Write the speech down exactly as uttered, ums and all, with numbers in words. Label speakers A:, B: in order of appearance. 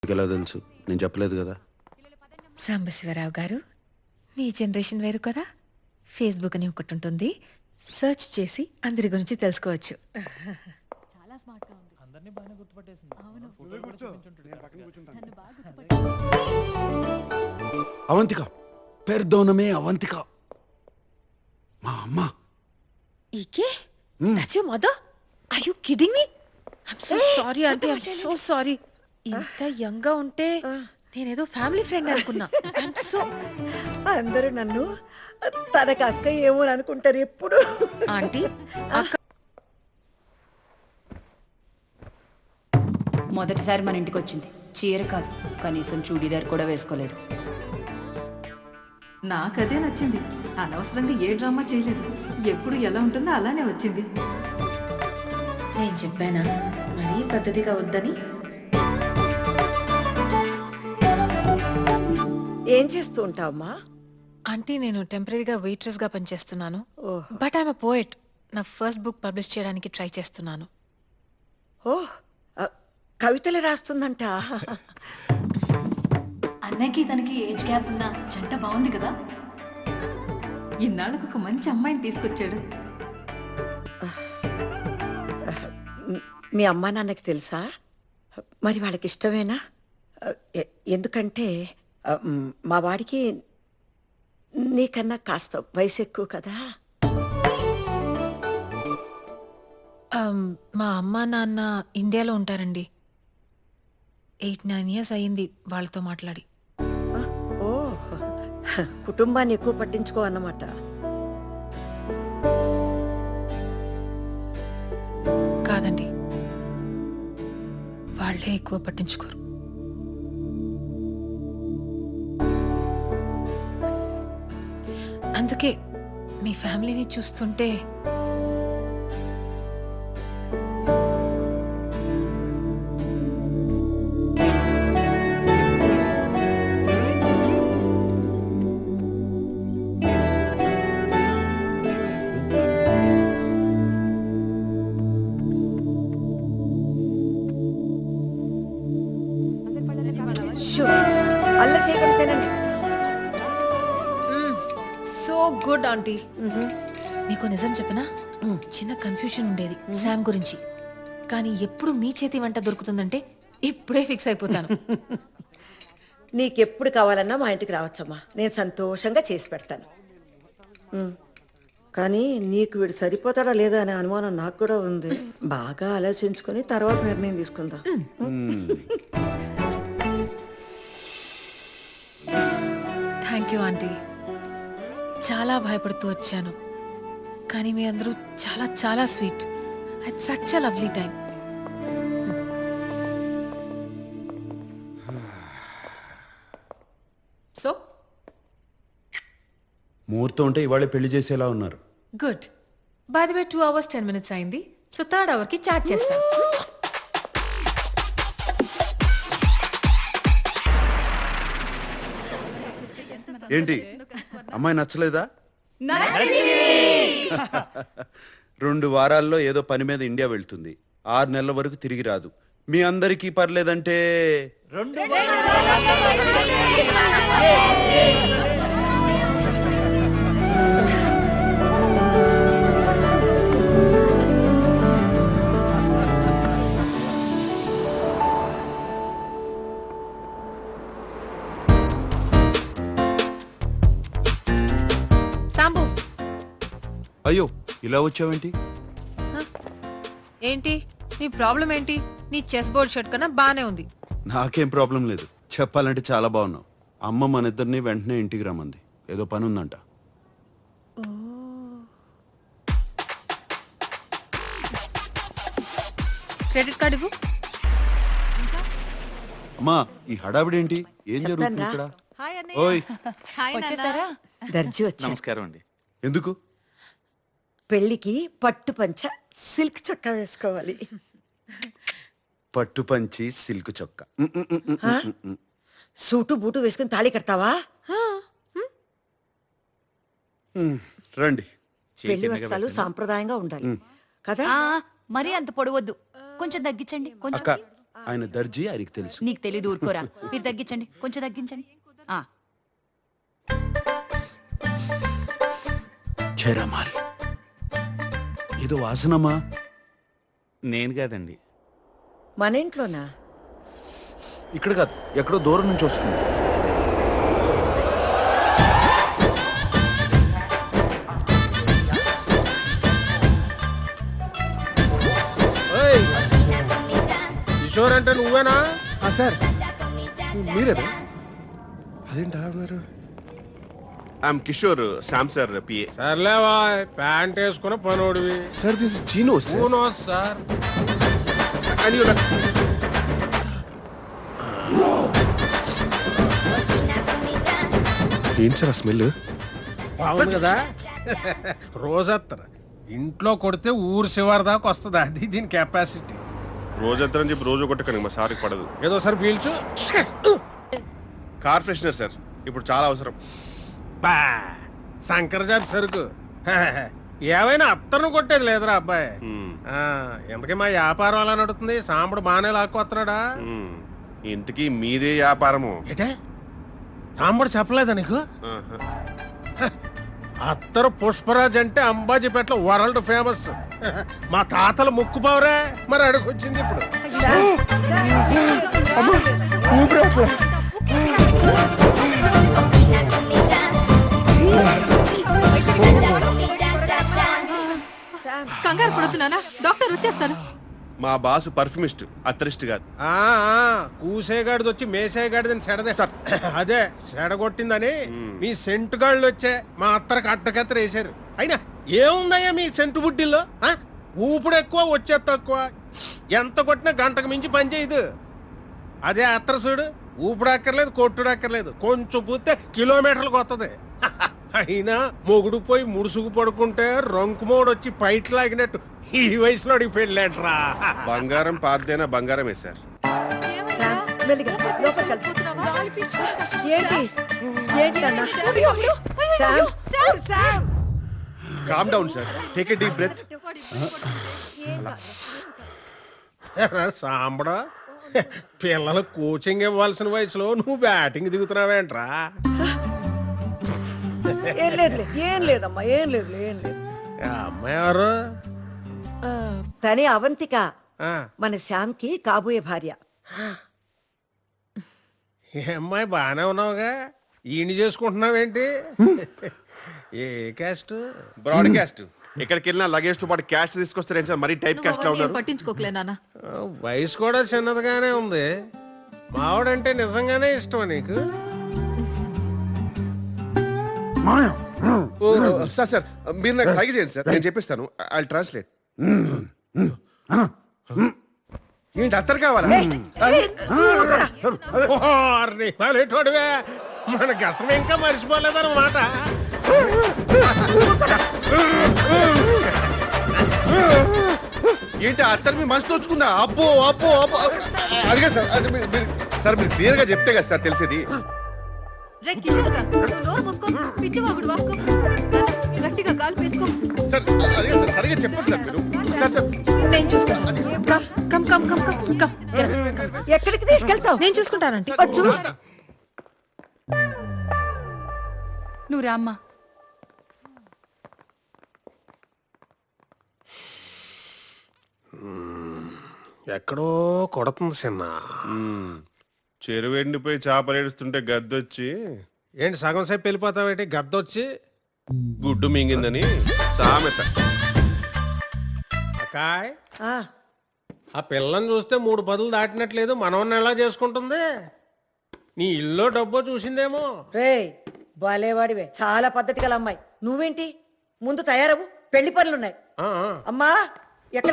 A: ఎలా తెలుసు? నేను చెప్పలేదు కదా.
B: సాంబశివరావు గారు, మీ జనరేషన్ వేరు కదా. ఫేస్బుక్ అని ఒకటి ఉంటుంది, సెర్చ్ చేసి అందరి గురించి తెలుసుకోవచ్చు.
C: చాలా స్మార్ట్ గా ఉంది. అందరినీ బాగానే గుర్తుపట్టేసింది. అవును.
A: అవంతిక, పెర్దోనమే అవంతిక, మా అమ్మ.
B: ఈకే that's your mother? Are you kidding me? I am so sorry aunty, I am so sorry. ఇంత యంగ్ గా ఉంటే నేనేదో ఫ్యామిలీ ఫ్రెండ్ అనుకున్నా. I am so.
D: అందరూ నన్ను తనకు అక్క ఏమో అనుకుంటారు ఎప్పుడు.
B: ఆంటీ, అక్క
E: మొదటిసారి మన ఇంటికి వచ్చింది. చీర కాదు, కనీసం చూడీదార్ కూడా వేసుకోలేదు.
F: నాకదే నచ్చింది. అనవసరంగా ఏ డ్రామా చేయలేదు. ఎప్పుడు ఎలా ఉంటుందో అలానే వచ్చింది.
B: నేను చెప్పానా మరీ పద్ధతిగా వద్దని?
D: ఏం చేస్తూ ఉంటావమ్మా?
B: ఆంటీ, నేను టెంపరీగా వెయిట్రెస్ గా పనిచేస్తున్నాను.
D: Oh.
B: But I'm a poet. నా ఫస్ట్ బుక్ పబ్లిష్ చేయడానికి ట్రై చేస్తున్నాను.
D: ఓ ఆ, కవితలు రాస్తుందంట.
E: అన్నయ్యకి తనకి ఏజ్ గ్యాప్ ఉన్న జంట బాగుంది కదా.
F: ఇన్నాళ్ళకు ఒక మంచి అమ్మాయిని తీసుకొచ్చాడు.
D: మీ అమ్మా నాన్నకి తెలుసా? మరి వాళ్ళకి ఇష్టమేనా? ఎ- ఎందుకంటే ఆ, మ్, మా వాడికి నీకన్నా కాస్త వయసు ఎక్కువ కదా.
B: Um, మా అమ్మ నాన్న ఇండియాలో ఉంటారండి. ఎయిట్ నైన్ ఇయర్స్ అయ్యింది వాళ్ళతో మాట్లాడి.
D: ఆ, ఓ కుటుంబాన్ని ఎక్కువ పట్టించుకో అన్నమాట.
B: కాదండి, వాళ్ళే ఎక్కువ పట్టించుకోరు. అందుకే మీ ఫ్యామిలీని చూస్తుంటే
D: షూ, అల్లరి చేయకుండా తినండి.
B: So good aunty. మీకు నిజం చెప్పనా, చిన్న కన్ఫ్యూషన్ ఉండేది శామ్ గురించి. కానీ ఎప్పుడు మీ చేతి వంట దొరుకుతుందంటే ఇప్పుడే ఫిక్స్ అయిపోతాను.
D: నీకెప్పుడు కావాలన్నా మా ఇంటికి రావచ్చమ్మా, నేను సంతోషంగా చేసి పెడతాను. ఉమ్. కానీ నీకు వీడు సరిపోతాడా లేదా అనే అనుమానం నాకు కూడా ఉంది. బాగా ఆలోచించుకొని తర్వాత నిర్ణయం తీసుకుందాం.
B: Thank you aunty. చాలా భయపడుతూ వచ్చాను, కానీ మీ అందరూ చాలా చాలా sweet. It's such a lovely time. So
A: ముహూర్తం ఉంటే ఇవాళే పెళ్లి చేసేలా ఉన్నారు.
B: Good. By the way two hours ten minutes అయింది. సో థర్డ్ అవర్ కి చార్జ్ చేస్తాను.
A: ఏంటి, అమ్మాయి నచ్చలేదా? రెండు వారాల్లో ఏదో పని మీద ఇండియా వెళ్తుంది. ఆరు నెలల వరకు తిరిగి రాదు. మీ అందరికీ పర్లేదంటే
B: సాంబు,
A: అయ్యో ఇలా వచ్చావేంటి?
B: ఏంటి నీ ప్రాబ్లం ఏంటి? నీ చెస్ బోర్డ్ షర్ట్ కన్నా బానే ఉంది.
A: నాకేం ప్రాబ్లం లేదు. చెప్పాలంటే చాలా బాగున్నావు. అమ్మ మన ఇద్దరిని వెంటనే ఇంటికి రమ్మంది. ఏదో పని ఉందంట.
B: క్రెడిట్ కార్డు ఇవ్వు.
A: అమ్మా, ఈ హడావిడేంటి? ఏం జరుగుతుంది ఇక్కడ? ఓయ్,
E: వచ్చేసారా?
D: దర్జీ వచ్చా.
G: నమస్కారం అండి.
A: ఎందుకు?
D: పెళ్లికి పట్టు పంచ సిల్క్ చొక్కా వేసుకోవాలి.
A: పట్టు పంచి సిల్క్ చొక్క.
D: ఆ? సూటు బూటు వేసుకుని తాళి కడతావా?
A: రండి.
D: పెళ్లి వస్త్రాలు సాంప్రదాయంగా ఉండాలి కదా.
E: ఆ, మరీ అంత పొడవద్దు, కొంచెం తగ్గించండి. కొంచెం
A: అక్క, ఆయన దర్జీ ఆయనకి తెలుసు.
E: నీకు తెలీదు, ఊరుకోరా. మీరు తగ్గించండి, కొంచెం తగ్గించండి. ఆ,
A: చేరామాల్ ఏదో వాసనమా?
G: నేను కాదండి.
D: మన ఇంట్లోనా?
A: ఇక్కడ కాదు, ఎక్కడో దూరం నుంచి వస్తుంది.
H: కిషోర్ అంటే నువ్వేనా?
I: సార్ మీరేనా? అదేంటి అలా ఉన్నారు?
G: I'm Kishore, Sam sir PA.
H: సర్లేవా, ప్యాంట్ వేసుకున్న పనోడివి.
I: Sir this is chino sir.
H: Uno sir.
I: ఏం సార్ ఆ స్మెల్?
H: బాగుంది కదా. రోజత్తర ఇంట్లో కొడితే ఊరు శివారు దాకా వస్తుంది. అది దీని కెపాసిటీ.
G: రోజంతా అని చెప్పి రోజు కొట్టకండి, మా సార్కి పడదు.
H: ఏదో సార్ పీల్చు.
G: కార్ ఫ్రెషనర్ సార్, ఇప్పుడు చాలా అవసరం.
H: బా శంకరజాతి సరుకు. ఏమైనా అత్తర్ను కొట్టేది లేదురా అబ్బాయి.
G: మ్మ్.
H: ఆ, ఎందుకే మా వ్యాపారం అలా నడుతుంది? సాంబడు బాగానే లాక్కొస్తున్నాడా?
G: మ్మ్. ఇంతకీ మీదే వ్యాపారము?
H: ఏటే సాంబడు చెప్పలేదా నీకు?
G: ఆహా.
H: అత్తరు పుష్పరాజ్ అంటే అంబాజీపేటలో వరల్డ్ ఫేమస్. మా తాతల ముక్కు పవరే, మరి అడుగొచ్చింది ఇప్పుడు.
F: కంగారు పడుతున్నానా? డాక్టర్ వచ్చేస్తాను.
G: మా బాసు పర్ఫ్యూమిస్ట్, అత్తరిస్ట్ కాదు.
H: ఆ ఆ, కూసేగాడిది వచ్చి మేసేగాడిదని సెడదే సార్. అదే సెడగొట్టిందని మీ సెంటు గాళ్ళు వచ్చే మా అత్తరికి అట్టకత్తర వేశారు. అయినా ఏముందయ్యా మీ సెంటు బుడ్డిల్లో? ఆ? ఊపుడు ఎక్కువ, వచ్చే తక్కువ. ఎంత కొట్టినా గంటకు మించి పని చేయదు. అదే అత్తర చూడు, ఊపుడు అక్కర్లేదు, కొట్టుడు అక్కర్లేదు, కొంచెం పూస్తే కిలోమీటర్లకు వస్తుంది. అయినా మొగుడు పోయి ముడుసుకు పడుకుంటే రంకుమోడు వచ్చి పైట్ లాగినట్టు ఈ వయసులో అడిగి పెళ్ళేట్రా.
G: బంగారం పాతదైనా బంగారమే సార్.
D: శామ్, మెల్లిగా లోపలికి వెళ్తా. ఏంటి ఏంటి అన్న? Sam, Sam, Sam.
G: Calm down sir, take a deep breath.
H: సాంబడా, పిల్లలు కోచింగ్ ఇవ్వాల్సిన వయసులో నువ్వు బ్యాటింగ్ దిగుతున్నావేంట్రా?
D: ఏం లేదులే, ఏం లేదమ్మా, ఏం లేదు, ఏం లేదు.
H: ఆ అమ్మాయి ఎవరు?
D: తనే అవంతిక,
H: ఆ,
D: మన శ్యామ్కి కాబోయే భార్య.
H: ఈ అమ్మాయి బాగానే ఉన్నావుగా, ఈయన చేసుకుంటున్నావేంటి? ఏ క్యాస్ట్?
G: బ్రాడ్కాస్ట్. ఎక్కడికి వెళ్ళినా లగేజ్ తో పాటు క్యాష్ తీసుకొస్తారేం సార్? మరీ టైప్ క్యాస్ట్ లా ఉన్నారు.
F: పట్టించుకోకలే నాన్న.
H: ఆ, వయసు కూడా చిన్నదిగానే ఉంది. మావాడంటే నిజంగానే ఇష్టమా నీకు?
G: ఓ, సార్ సార్ మీరు నాకు సైగ చేయండి సార్, నేను చెప్పిస్తాను. I translate. ఏంటి అత్తరు కావాలా?
H: ఓర్నిటోడివే, మన గతం ఇంకా మర్చిపోలేదన్నమాట.
G: ఏంటి అత్తరు మీ మనసు తోచుకుందా? అబ్బో అబ్బో అబ్బో. అడిగా సార్, అది మీరు- మీరు- సార్ మీరు క్లియర్ గా చెప్తే కదా సార్ తెలిసేది.
F: రే కిషోర్ గా, నువ్వు నోరు మూసుకో. పిచ్చివాగుడు వాక్కో. గట్టిగా కాలు పేసుకో.
G: సార్ అడిగా సార్, సరిగా చెప్పండి సార్ మీరు. సార్ సార్
B: నేను చూసుకుంటాను. Come come come come come come.
D: ఎక్కడికి తీసుకెళ్తావు?
B: నేను చూసుకుంటానంటే.
D: వచ్చు.
E: నువ్వు రామ్మా.
H: ఎక్కడో కొడుతుంది చిన్న.
G: చెరువు ఎండిపోయి చేపలు ఏడుస్తుంటే గద్దొచ్చి
H: ఏంటి సగం సేపు వెళ్ళిపోతావేంటి? గద్దొచ్చి
G: గుడ్డు మింగిందని సామెత.
H: అకాయ్,
D: ఆ,
H: ఆ పిల్లని చూస్తే మూడు పదులు దాటినట్లేదు. మనవన్ని ఎలా చేసుకుంటుంది? నీ ఇల్లు డబ్బో చూసిందేమో.
D: రేయ్ బాలేవాడివే, చాలా పద్ధతి గల అమ్మాయి. నువ్వేంటి? ముందు తయారవు, పెళ్లి పనులున్నాయి.
H: ఆ, ఆ.
D: అమ్మా